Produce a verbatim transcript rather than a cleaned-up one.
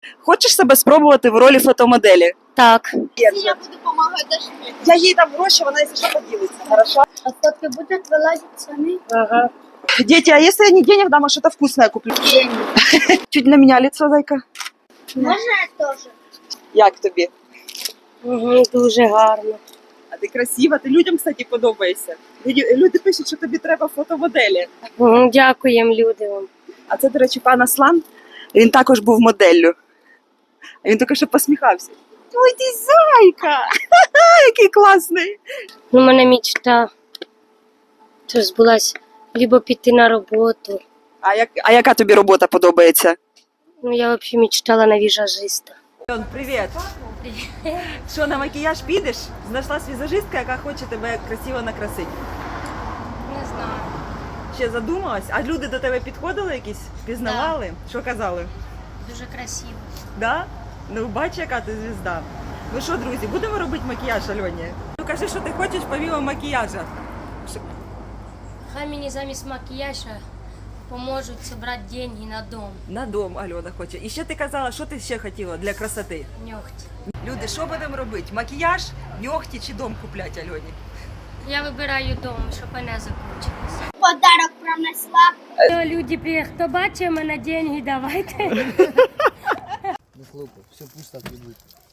Хочеш себе спробувати в ролі фотомоделі? Так. Я буду допомагати Даші. Я їй дам гроші, вона якщо що поділиться, хорошо? А фотки будуть вилазити самі? Ага. Дети, а если я не денег дам, а что-то вкусное куплю? Чуть на меня лицо, зайка. Можна я теж? Як тобі? Угу, дуже гарно. А ти красива, ти людям, кстати, подобаєшся. Люди, люди пишуть, що тобі треба фотомоделі. Угу, дякуємо люди вам. А це, до речі, пан Аслан, він також був моделлю. А він тільки що посміхався. Ой, ти зайка! Який класний! У мене мечта то збулась либо піти на роботу. А, як, а яка тобі робота подобається? Ну, я взагалі мечтала на візажиста. Привіт! Що, на макіяж підеш? Знайшлась візажистка, яка хоче тебе красиво накрасити. Не знаю. Ще задумалась? А люди до тебе підходили якісь? Пізнавали? Що казали? Дуже красиво. Да? Ну, бач, яка ти звізда. Ну що, друзі, будемо робити макіяж Альоні? Ну кажи, що ти хочеш помимо макіяжа. Що- Хай мені замість макіяжа поможуть зібрати гроші на дом. На дом Альона хоче. І ще ти казала, що ти ще хотіла для красоти? Ногті. Люди, що будемо робити? Макіяж, ногті чи дом купляти Альоні? Я вибираю дом, щоб вона закінчилася. Подарок принесла. Люди, хто бачить мене, гроші давайте. Не хлопай, все пусто прибыть.